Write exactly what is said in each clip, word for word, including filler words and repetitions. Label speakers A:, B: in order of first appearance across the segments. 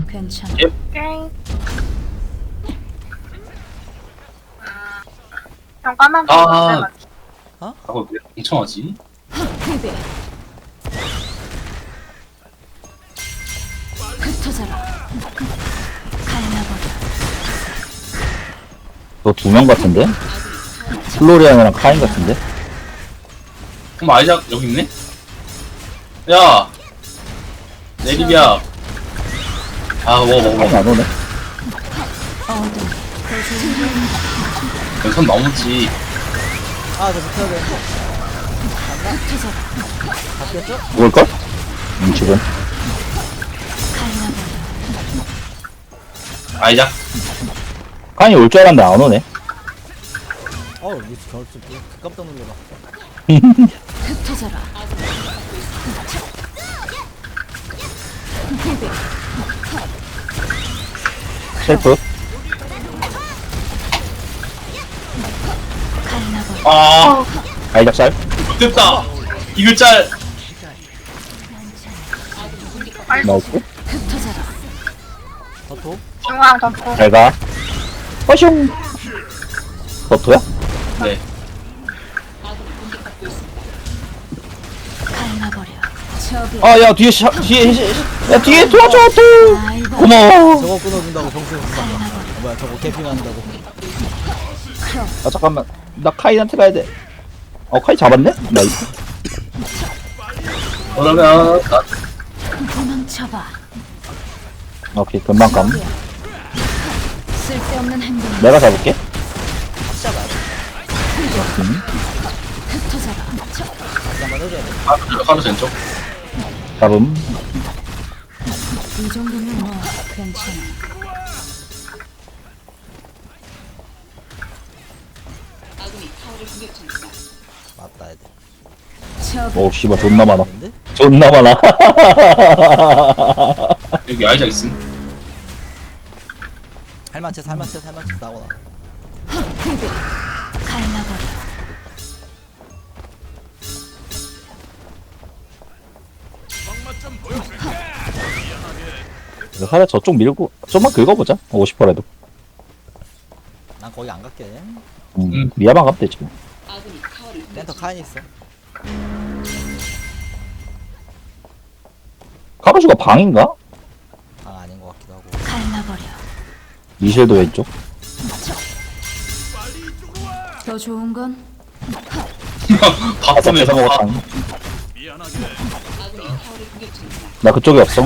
A: 괜찮아.
B: 예.
C: 오케이. 형 까만 거
B: 아.
C: 맞지?
B: 아, 그거 왜 엄청하지?
A: 패배. 흩어져라. 갈라버려.
D: 너 두 명 같은데? 플로리안이랑 카인 같은데?
B: 그럼 아이작 여기 있네? 야! 내리비야. 아, 먹어, 먹어,
D: 카인
B: 먹어.
D: 안 오네.
A: 어둠.
B: 선 넘었지.
E: 아, 저 붙여야 되는데.
A: 흩어져라.
E: 바뀌었죠?
D: 죽을걸? 음, 지금.
A: 갈라버려.
B: 아이작.
D: 카인이 올 줄 알았는데 안 오네.
E: 어우, 이거 저, 저, 저, 깜짝 놀래라.
A: 흩어져라. 패배.
D: 셀프.
A: 갈라버려.
B: 아,
D: 아이작살.
B: 됐다. 이글 짤.
D: 나이스.
A: 흩어져라.
E: 더토?
C: 중앙 덮고.
D: 잘 가. 허슝. 버터야?
B: 네.
A: 갈라버려. 저기.
D: 아, 야, 뒤에, 샤, 뒤에, 샤, 야, 뒤에 도와줘, 또!
A: 아이고.
D: 고마워.
E: 저거 끊어준다고 병수 준다. 아, 뭐야, 저거 캠핑한다고.
A: 크롬.
D: 아, 잠깐만. 나 카인한테 가야 돼. 어, 카인 잡았네? 나이스.
B: 그러면, 나,
A: 도망쳐봐.
D: 오케이, 금방 감.
A: 쓸데없는 행동.
D: 내가 잡을게.
A: 흩어져라.
E: 한번 해줘야 돼.
B: 아, 하루 왼쪽.
D: 잡음.
A: 이 정도면 뭐 괜찮아.
E: 맞다, 애들.
A: 저기.
D: 오, 씨발, 존나 많아.
E: 근데?
D: 존나 많아.
B: 여기 아이작 있음.
E: 할만치, 할만치, 할만치 나오나.
A: 패배. 갈라버려.
D: 하나 저쪽 밀고, 좀만 긁어보자. 오십 퍼라도.
E: 난 거기 안 갈게.
D: 음,
B: 음.
D: 미아만 가면 되지. 뭐.
E: 센터 카인 있어.
D: 카루슈가 방인가?
E: 아, 아닌 것 같기도 하고.
A: 갈라버려.
D: 미셸도 왼쪽.
A: 더 좋은 건
B: 밥
D: 아까
B: 보면
D: 배서
B: 서
D: 먹었다. 나 그쪽에 없어.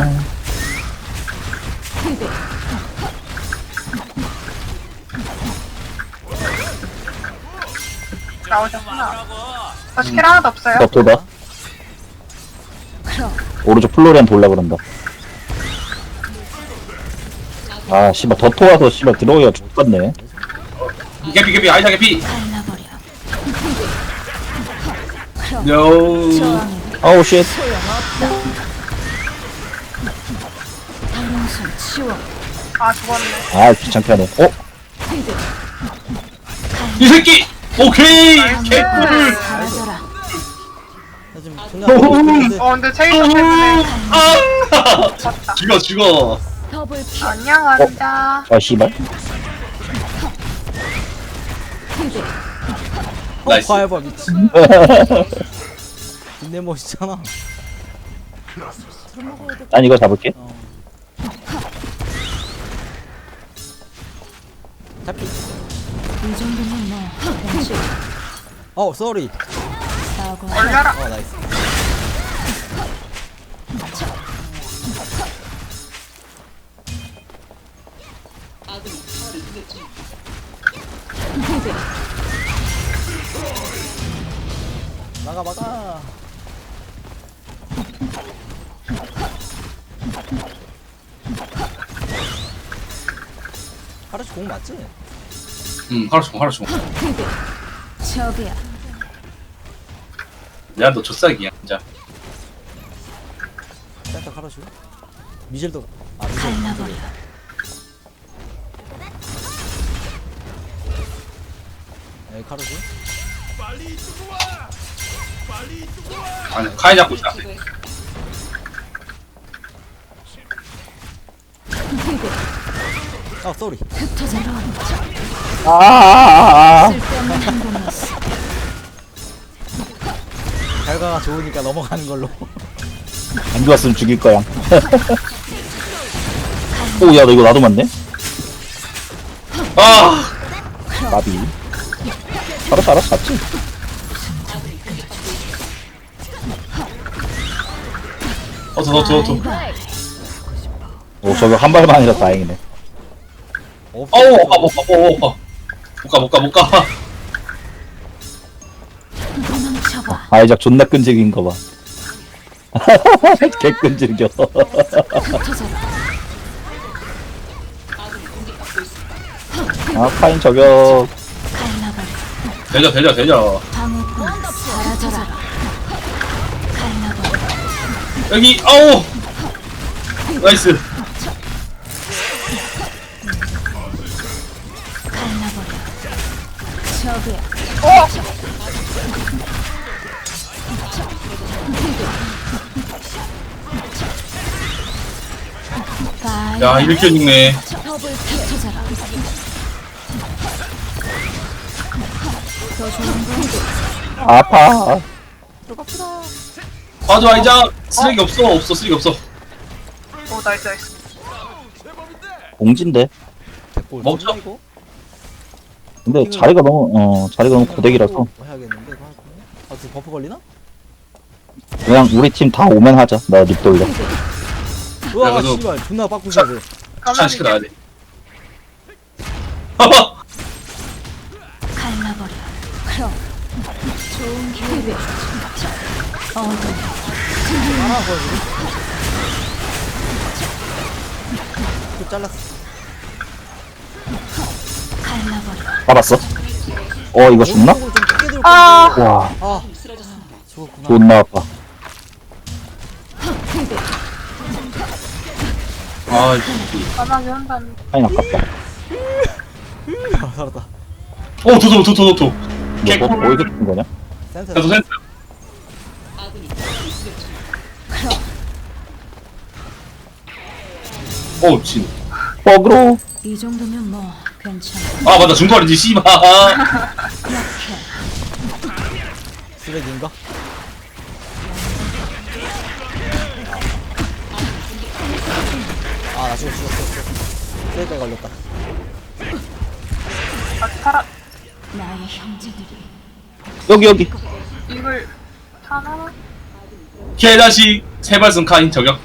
A: 패배.
C: 나오셨구나. 저 스킬 하나도 없어요?
D: 더 도다.
A: 크롬.
D: 오른쪽 플로리안 돌라 그런다. 아, 씨발, 더 토와서, 씨발, 들어오기가 죽겠네.
B: 개피, 개피, 아이작 개피.
A: 갈라버려. 크롬.
B: 요.
A: 저항해.
D: 아우, 쉣.
A: 다용순 치워.
C: 아, 죽었네.
D: 아, 귀찮게 하네. 어?
A: 패배.
B: 이 새끼! 오케이! 개꿀!
A: 사라져라.
E: 나 지금 존나 하고 싶은데.
C: 어, 근데 체이터 때문에.
B: 아!
C: 죽었다.
B: 죽어, 죽어.
A: 더블 킬.
C: 안녕, 환자.
D: 아, 씨발.
A: 패배.
E: 어,
B: 나이스.
E: 봐봐, 미친. 내 멋있잖아.
D: 난 이거 잡을게.
E: 어. 잡기.
A: 이 정도면 뭐 괜찮아.
E: 어, 쏘리.
A: 싸고
C: 올려라.
E: 어, 나이스.
A: 패배.
E: 막아, 막아. 하루씩 공 맞지?
B: 응, 하루 종, 하루 종.
A: 패배. 저기야.
B: 야, 너 젖삭이야, 진짜.
E: 센터 하루씩. 미셸도. 아, 미셸.
A: 갈라버려.
E: 여기 카루시.
B: 아니, 카이 잡고 있다.
A: 필드.
E: 아 쏘리.
A: 흩어져라.
D: 아아아아
A: 쓸데없는 행동이었어.
E: 결과가 좋으니까 넘어가는 걸로.
D: 안 좋았으면 죽일 거야. 오, 야, 너 이거 나도 맞네?
B: 아
D: 나비. 알았어, 알았어, 잡지.
B: 어서 너도 너도
A: 바이바이.
D: 오, 저거 한 발만이라 다행이네.
E: 없어.
B: 어우 오빠 못 가, 못 가, 못 가, 못 가.
A: 도망쳐봐.
D: 아이작 존나 끈질긴 거 봐. 개 끈질겨.
A: 흩어져라.
D: 아, 파인 저격.
A: 갈라버려.
B: 되죠, 되죠, 되죠.
A: 방어꾼 사라져라. 갈라버려.
B: 여기 아우 나이스.
A: 갈라버려. 저기야.
C: 어!
A: 바이.
B: 야 이렇게 죽네.
A: 더블 흩어져라. 더 좋은 건
D: 아파.
B: 맞아 아이자 쓰레기 없어 없어 쓰레기 없어.
C: 오, 나이스, 나이스.
D: 공진데.
E: 개꿀.
B: 멈춰.
E: 쏘리나, 이거?
D: 근데 자리가 너무, 어, 자리가 너무 고데기라서.
E: 뭐 해야겠는데 이거 할 거면? 아 지금 버프 걸리나?
D: 그냥 우리 팀 다 오면 하자. 나 립 돌려.
E: 우와
B: 그래도-
E: 씨발 존나 빡꾸셔야 돼.
B: 추천 시켜놔야 돼.
A: 갈라버려. 그럼 좋은 기회. 어둠.
E: 하나 보여주고. 또 잘랐어.
A: 갈라버려.
D: 잡았어. 어, 이거 죽나?
E: 오른쪽으로 좀 크게 들고
C: 아.
E: 있는데.
D: 와,
E: 아 죽었구나.
D: 존나 아파.
B: 아 이-
C: 가만히 한다는.
D: 파인 아깝다.
E: 아, 살았다.
B: 어 도도 도도 도도.
D: 너, 뭐, 어디서 죽은 거냐?
E: 센터.
B: 그래도 센스. 어 진.
D: 버그로.
A: 이 정도면 뭐 괜찮아.
B: 아 맞다 중거리지 씨발.
A: 약해.
E: 쓰레기인가? 아나 죽었어 죽었어 죽었어. 쓰레기가 걸렸다.
C: 아, 살아.
A: 나의 형제들이
D: 여기, 여기.
C: 이걸 하나?
B: 개다시 세발승 카인 저격.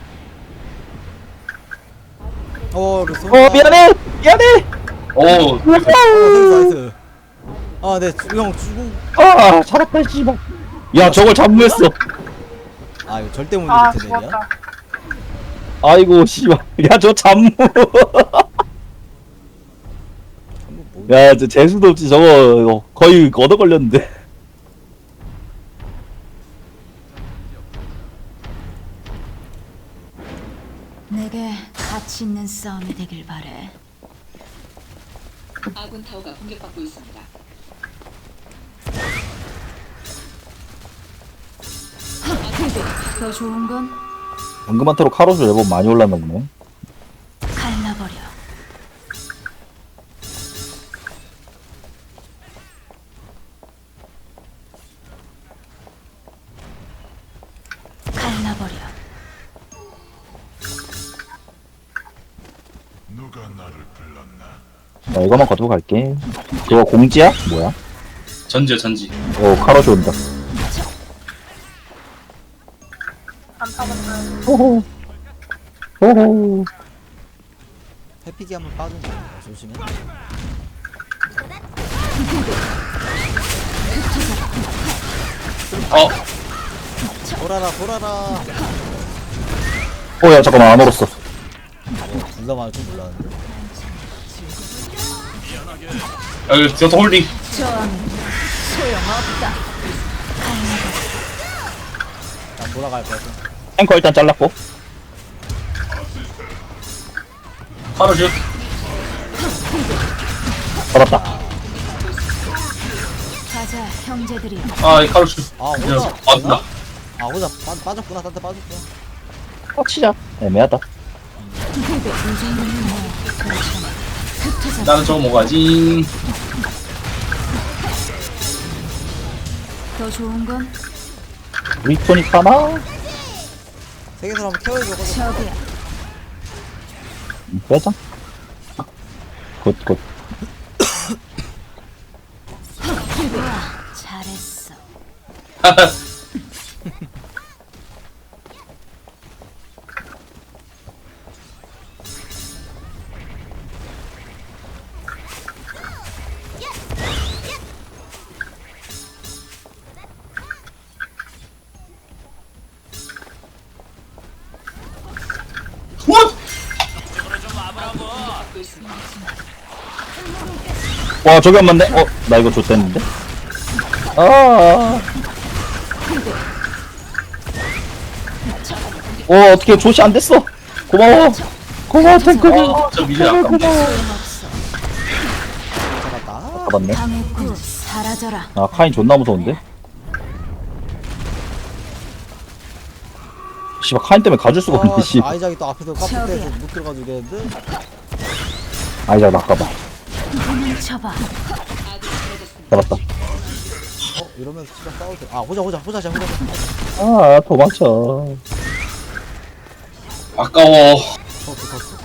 E: 어 그래서.
D: 어, 미안해! 미안해!
B: 오
E: 나이스 나이스. 아네형 죽고.
D: 아, 살았다, 씨발. 야, 저걸 잠무했어.
E: 아 이거 절대 못
C: 아,
E: 이길 텐데.
C: 죽었다.
D: 아이고, 씨발. 야, 저 잠무.
E: 뭐,
D: 야, 저 재수도 없지. 저거 거의 얻어 걸렸는데.
A: 내게 가치 있는 싸움이 되길 바래.
F: 아군 타워가 공격받고 있습니다.
A: 더 좋은 건
D: 방금한테로 카로스 레벨 많이 올랐나 보네.
A: 갈라버려. 갈라버려.
D: 나 이거만 거두고 갈게. 그거 공지야? 뭐야?
B: 전지야 전지.
D: 오, 카로스 온다.
C: 안 타봤어요.
D: 호호. 호호.
E: 해피기 한번 빠진 거 조심해.
B: 어
E: 돌아라 돌아라.
D: 어, 야, 잠깐만, 안 얼었어.
E: 둘다 맞을 줄 몰랐는데.
B: 여기 저도 홀딩.
A: 저항은 소용없다.
E: 나 돌아갈 거야.
D: 탱커 일단 잘랐고.
B: 카로슈.
D: 잡았다.
A: 가자, 형제들이.
B: 아이 카로슈.
E: 아 혼자.
B: 아 나.
E: 아 혼자 빠, 빠졌구나. 딴데 빠졌구나.
D: 어, 치자. 애매하다.
A: 그게 이 정도면 뭐 괜찮아. 흩어져.
B: 나는 저거 먹어야지.
A: 더 좋은 건
D: 우리 토닉 하나?
E: 세계선 한번 케어해줘. 가자.
A: 저기야.
D: 음, 빼자. 굿, 굿.
A: 우와, 잘했어.
B: 원!
F: 받고 있습니다.
D: 와, 저기 안 맞네? 어, 나 이거 좆됐는데? 아. 어, 어떻게 조시 안 됐어? 고마워. 고마워, 탱크.
B: 어, 저 미래 아까
A: 소용없어.
E: 잡았다.
D: 잡았네.
A: 당했고 사라져라.
D: 아, 카인 존나 무서운데? 씨발, 카인 때문에 가줄 수가 없네, 씨.
E: 아, 아이작이 또 앞에서 깜짝
A: 저기야.
E: 때서 못 들어가지고 이랬는데.
D: 아이작, 낚아봐.
A: 도망쳐봐.
D: 잡았다.
E: 어, 이러면 진짜 싸워도 돼. 아, 호자, 호자, 호자자, 호자자.
D: 아, 도망쳐.
B: 아까워.
E: 터스, 터스.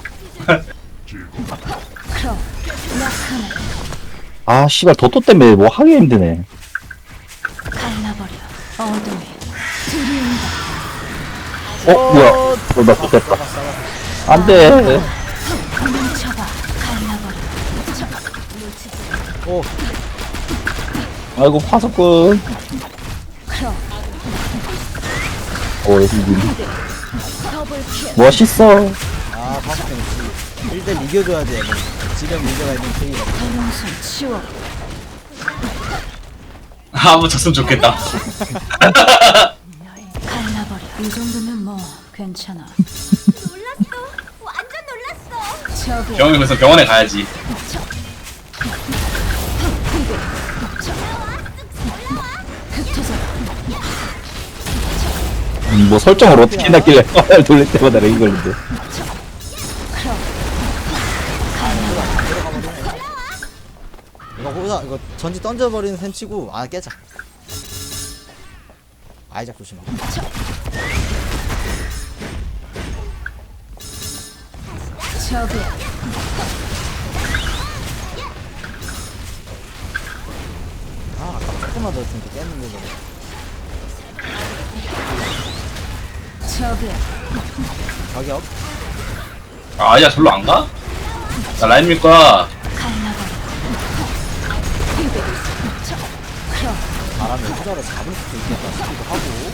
A: 크로. 라카나.
D: 아, 씨발, 도토 때문에 뭐 하기 힘드네.
A: 갈라버려. 어둠에 들이운다.
D: 어, 뭐야. 어, 나 좆됐다. 안 돼.
A: 도망쳐봐. 갈라버려.
E: 오,
D: 아이고, 파석꾼.
A: 크로.
D: 어, 여기 님.
A: 더블킬.
D: 멋있어.
E: 아, 다섯 명 씨. 일 대 이겨줘야 돼. 뭐. 지금 문제가 있는 케이가.
A: 대롱손 치워.
B: 아, 한번 졌으면 좋겠다.
A: 갈라버려. 이 정도면 뭐 괜찮아.
G: 놀랐어. 완전 놀랐어.
A: 저기
B: 병원에 그래서 병원에 가야지.
A: 흩어져.
D: 음, 뭐 설정을 어떻게 해놨길래 화를 돌릴 때마다 렉이 걸린대.
A: 크로.
E: 이거 호자, 이거 전지 던져버리는 셈 치고, 아, 깨자. 아이작 조심하고.
A: 저기
E: 아, 아까 조금만 더 했으면 깼는데, 저거.
A: 저기
E: 가격.
B: 아, 아니야, 절로 안 가? 나 라인 밀 거야.
A: 갈라버려. 크로.
E: 바람에 호자를 잡을 수도 있겠다 싶기도 하고.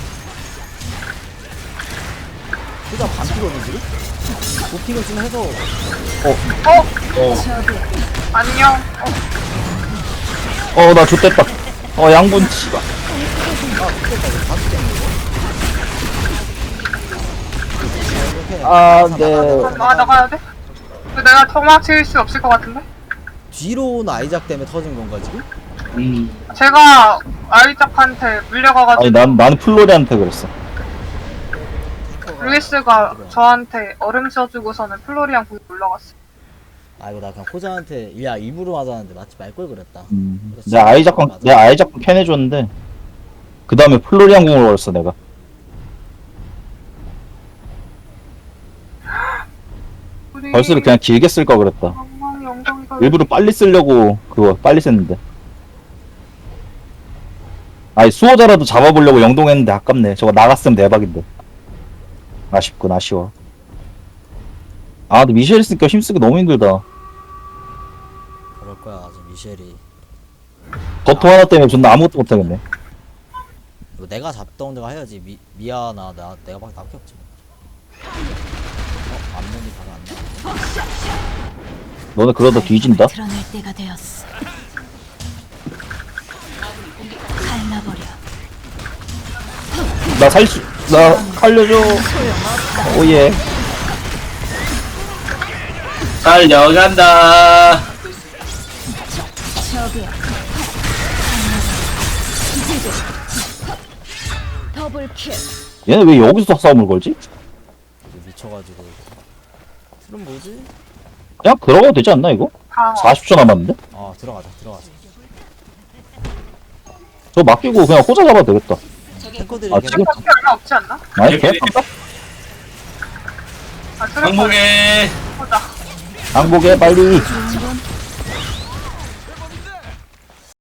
E: 호자 반피거든, 지금? 도핑을 좀 해서.
B: 어,
C: 어,
A: 저기
C: 안녕. 어,
D: 어, 나 좆됐다. 어, 양분, 씨발.
E: 아, 좋겠다, 이거 다섯 개네, 이거. 이렇게.
D: 아,
E: 나가,
D: 네.
E: 나가,
C: 아, 나 나가야 돼? 근데 내가 도망칠 수 없을 것 같은데?
E: 뒤로 온 아이작 때문에 터진 건가, 지금?
B: 음.
C: 제가 아이작한테 물려가가지고
D: 아니, 난, 나는 플로리한테 그랬어.
C: 루이스가 저한테 얼음 씌워주고서는 플로리안 공이 올라갔어.
E: 아, 이거 나 그냥 호자한테, 야, 일부러 맞았는데 마치 말걸 그랬다.
D: 음. 내가 아이작권, 내가 아이작권 캔해줬는데, 그 다음에 플로리안 공을 걸었어, 내가.
C: 우리
D: 벌스를 그냥 길게 쓸 걸 그랬다.
C: 엉망이 엉덩이가
D: 일부러 빨리 쓰려고, 그거, 빨리 썼는데. 아니, 수호자라도 잡아보려고 영동했는데 아깝네. 저거 나갔으면 대박인데. 아쉽군, 아쉬워. 아, 근데 미셸 있으니까 힘쓰기 너무 힘들다.
E: 그럴 거야, 아직 미셸이.
D: 버터 하나 때문에 존나 아무것도 못하겠네.
E: 이거 내가 잡던 데가 해야지. 미, 미아나, 나, 내가 밖에 남게 없지. 뭐. 어, 앞면이 바로 안 나와.
D: 너네 그러다 뒤진다?
A: 드러낼 때가 되었어. 갈라버려.
D: 나 살 수, 나 살려줘. 오예.
B: 달려간다.
A: 저기 더블킬.
D: 얘네 왜 여기서 싸움을 걸지?
E: 미쳐가지고. 그럼 뭐지?
D: 그냥 들어가도 되지 않나 이거?
C: 방어.
D: 사십 초 남았는데?
E: 아 들어가자 들어가자.
D: 저 맡기고 그냥 호자 잡아도 되겠다.
E: 탱커들이
D: 아,
E: 계속
D: 지금?
C: 어떻게 얼마 없지 않나?
D: 아니 개
C: 아, 트래퍼
B: 항복에
C: 보자.
D: 항복해 빨리.
A: 좋은